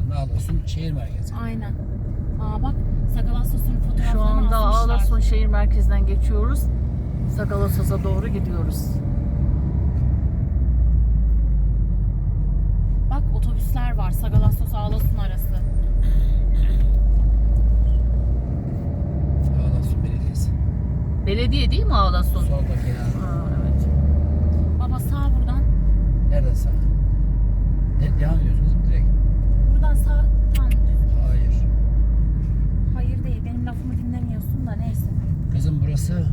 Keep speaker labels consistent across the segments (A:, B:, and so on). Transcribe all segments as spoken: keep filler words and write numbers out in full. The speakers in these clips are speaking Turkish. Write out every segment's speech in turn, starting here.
A: anda Ağlasun şehir merkezi.
B: Aynen. Aa bak Sagalassos'un fotoğraflarını
C: Şu anda
B: asmışlar.
C: Ağlasun şehir merkezinden geçiyoruz. Sagalassos'a doğru gidiyoruz.
B: Bak otobüsler var. Sagalassos Ağlasun arası.
A: Ağlasun Belediyesi.
C: Belediye değil mi Ağlasun?
A: Soldaki ya.
C: Ha, evet.
B: Baba sağ buradan.
A: Nereden sağ? De devam ediyoruz kızım direkt.
B: Buradan sağ tam düz.
A: Hayır.
B: Hayır değil. Benim lafımı dinlemiyorsun da neyse.
A: Kızım burası.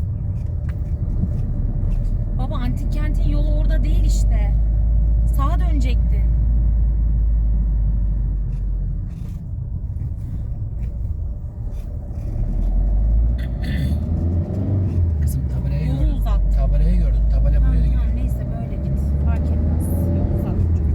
B: Baba antik kentin yolu orada değil işte. Sağa dönecekti.
A: Kızım tabelayı
B: Yolu
A: gördüm.
B: uzat.
A: Tabelayı gördüm. Tabela
B: Tamam,
A: buraya gidiyor.
B: tamam, neyse böyle git. Fark etmez. Yol uzat.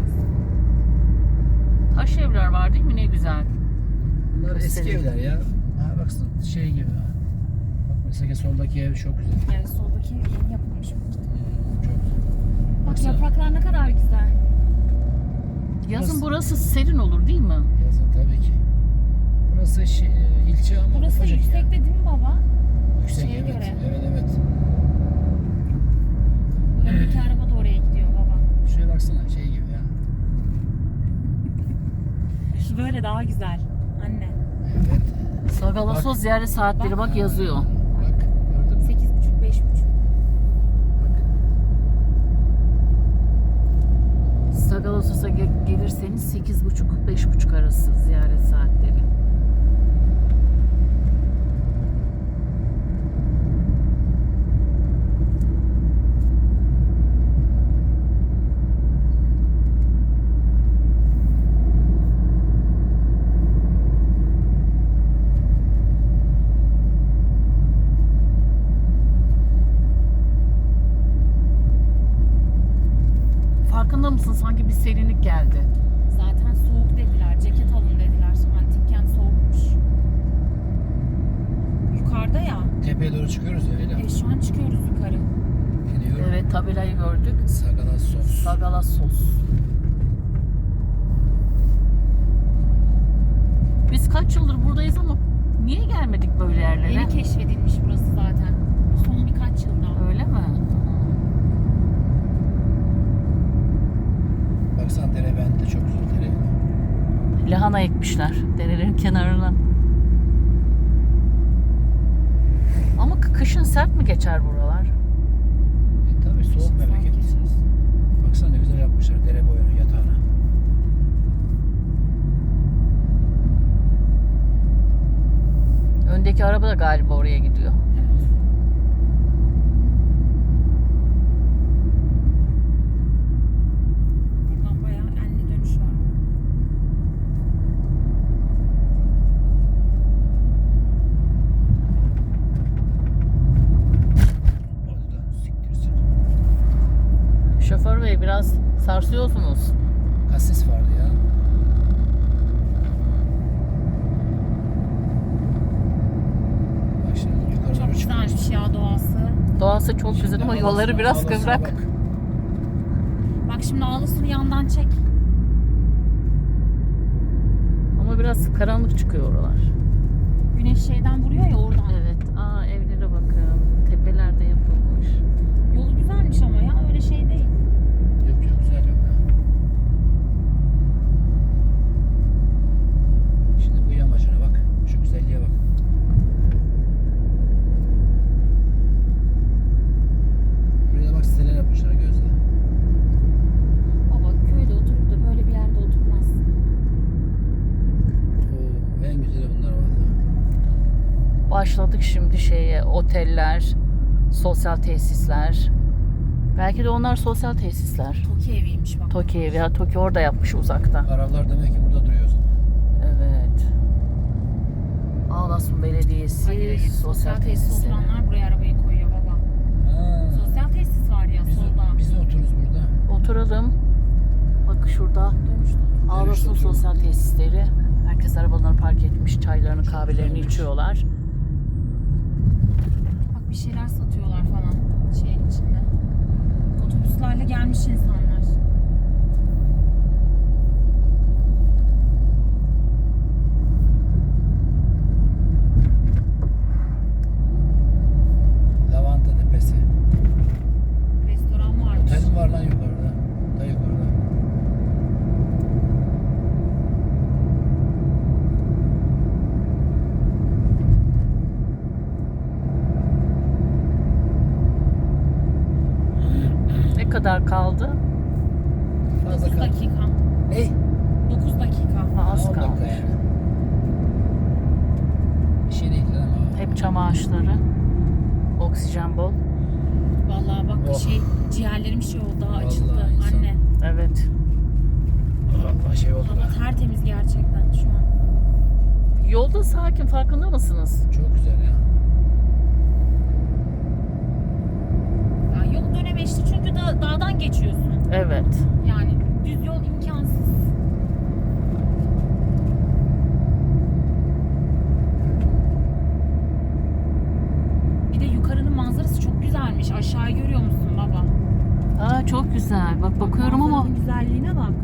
C: Taş evler var değil mi? Ne güzel.
A: Bunlar eski
C: Göstereyim.
A: evler ya. Ha baksın şey gibi. ha. Bak mesela soldaki ev çok güzel.
B: Evet soldaki yeni yapılmış.
A: Hmm, çok güzel.
B: Bak
A: Baksana.
B: yapraklar ne kadar güzel.
C: Yazın
A: Burası-
C: burası serin olur değil mi?
A: Yazın tabii ki. Burası şey, ilçe ama
B: Burası
A: ufacık
B: yüksekte
A: ya.
B: değil mi baba?
A: Yüksek
B: şeye
A: evet.
B: göre.
A: Evet evet.
B: Öndeki araba da oraya gidiyor baba.
A: Şuraya baksana şey gibi ya.
B: Şu böyle daha güzel. Anne.
A: Evet.
C: Sagalassos ziyaret saatleri bak yazıyor.
A: Bak gördün mü?
B: sekiz buçuk beş buçuk.
A: Bak.
C: Sagalassos'a ge- gelirseniz sekiz buçuk beş buçuk arası ziyaret saatleri. Farkında mısın? Sanki bir serinlik geldi.
B: Zaten soğuk dediler. Ceket alın dediler. Antik kent soğukmuş. Yukarıda ya.
A: Tepeye doğru çıkıyoruz ya öyle.
B: E, şu an çıkıyoruz yukarı.
A: Gidiyorum.
C: Evet, tabelayı gördük.
A: Sagalassos.
C: Sagalassos. Biz kaç yıldır buradayız ama niye gelmedik böyle yerlere?
B: Yeni keşfedilmiş burası zaten. Son birkaç yılda.
C: Öyle mi?
A: Baksana dere bende çok güzel dere.
C: Lahana ekmişler derelerin kenarına. Ama kı- kışın sert mi geçer buralar?
A: E, tabii soğuk memleket. Baksana ne güzel yapmışlar dere boyunu yatağına.
C: Öndeki araba da galiba oraya gidiyor.
B: Buradan bayağı enli dönüş var.
A: Oradan siktirsin.
C: Şoför bey biraz sarsıyorsunuz.
A: Kasis vardı ya. Bak şimdi yukarı
B: Çok
A: doğru çıkıyoruz.
B: güzelmiş ya doğası.
C: Doğası çok güzel
A: Şimdi
C: ama
A: Ağlasun-
C: yolları biraz
A: Ağlasun'a
C: kıvrak.
A: bak.
B: Bak şimdi Ağlasun'u yandan çek.
C: Ama biraz karanlık çıkıyor oralar.
B: Güneş şeyden vuruyor ya oradan.
C: Evet. Aa, evlere bakın. Tepelerde yapılmış.
B: Yolu güzelmiş ama ya öyle şey değil.
A: Yok yok güzel yok ya. Şimdi bu yamacına bak. Şu güzelliğe bak. Buraya bak siteler yapmışlar gözle.
B: Baba köyde oturup da böyle bir yerde oturmaz.
A: Oo, en güzeli bunlar valla.
C: Başladık şimdi şeye, oteller, sosyal tesisler. Belki de onlar sosyal tesisler.
B: Toki eviymiş bak.
C: Toki evi, ya Toki orada yapmış uzakta.
A: Arabalar demek ki burada duruyor o zaman.
C: Evet. Ağlasun Belediyesi,
B: Hayır, hayır.
C: sosyal
B: Sosyal tesis
C: tesisleri.
B: oturanlar buraya arabayı koyuyor baba.
A: Ha.
B: Sosyal tesis var ya
A: Biz,
B: solda.
A: biz de otururuz burada.
C: Oturalım. Bak şurada
B: Dönüşte otur.
C: Ağlasun
A: oturalım.
C: sosyal tesisleri. Herkes arabalarını park etmiş, çaylarını, kahvelerini
A: güzelmiş.
C: içiyorlar.
B: Bak bir şeyler satıyorlar falan şeyin içinde. Otobüslerle gelmiş insanlar.
C: kadar kaldı?
A: Fazla
B: dokuz
A: kal.
B: dakika.
A: Ney?
B: dokuz dakika.
C: Ha, az
A: on dakika
C: kalmış.
A: yani. Bir şey değil ama.
C: Hep çam ağaçları. Oksijen bol.
B: Vallahi bak
A: Oh.
B: şey ciğerlerim şey oldu daha
A: Vallahi
B: açıldı
A: insan-
B: anne.
C: Evet.
A: Allah şey oldu
B: Hava
A: be.
B: tertemiz gerçekten şu an.
C: Yolda sakin, farkında mısınız?
A: Çok güzel ya.
B: Ya yol dönemeçli çünkü da, dağdan geçiyorsun.
C: Evet.
B: Yani düz yol imkansız. Bir de yukarının manzarası çok güzelmiş. Aşağıyı görüyor musun baba?
C: Aa, çok güzel. Bak bakıyorum ama
B: Manzaranın güzelliğine bak.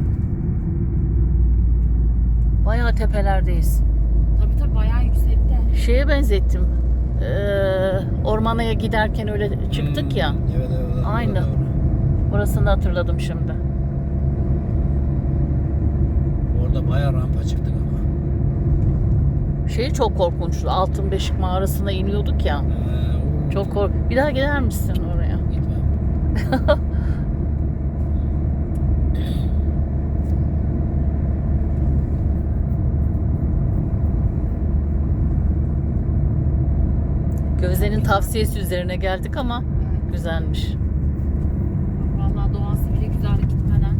C: bayağı tepelerdeyiz.
B: Tabii tabii bayağı yüksekte.
C: Şeye benzettim. Ee, ormana giderken öyle çıktık ya.
A: Hmm, Evet evet. evet,
C: Aynı.
A: doğru.
C: Orasını hatırladım şimdi.
A: Orada bayağı rampa çıktık ama.
C: Şey çok korkunçtu. Altın Beşik mağarasına iniyorduk ya.
A: Ee, o-
C: Çok kork. Bir daha gider misin oraya?
A: Gitmem.
C: Gözde'nin tavsiyesi üzerine geldik ama
B: Evet.
C: güzelmiş.
B: Vallahi doğası bile güzel gitmeden.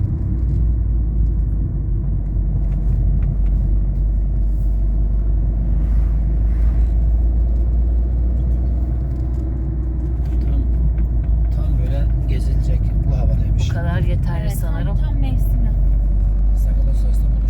A: Tam tam böyle gezilecek bu havadaymış.
C: Bu kadar yeterli
B: Evet,
C: sanırım.
B: Tam, tam mevsimi.
A: Sakalos Sos'ta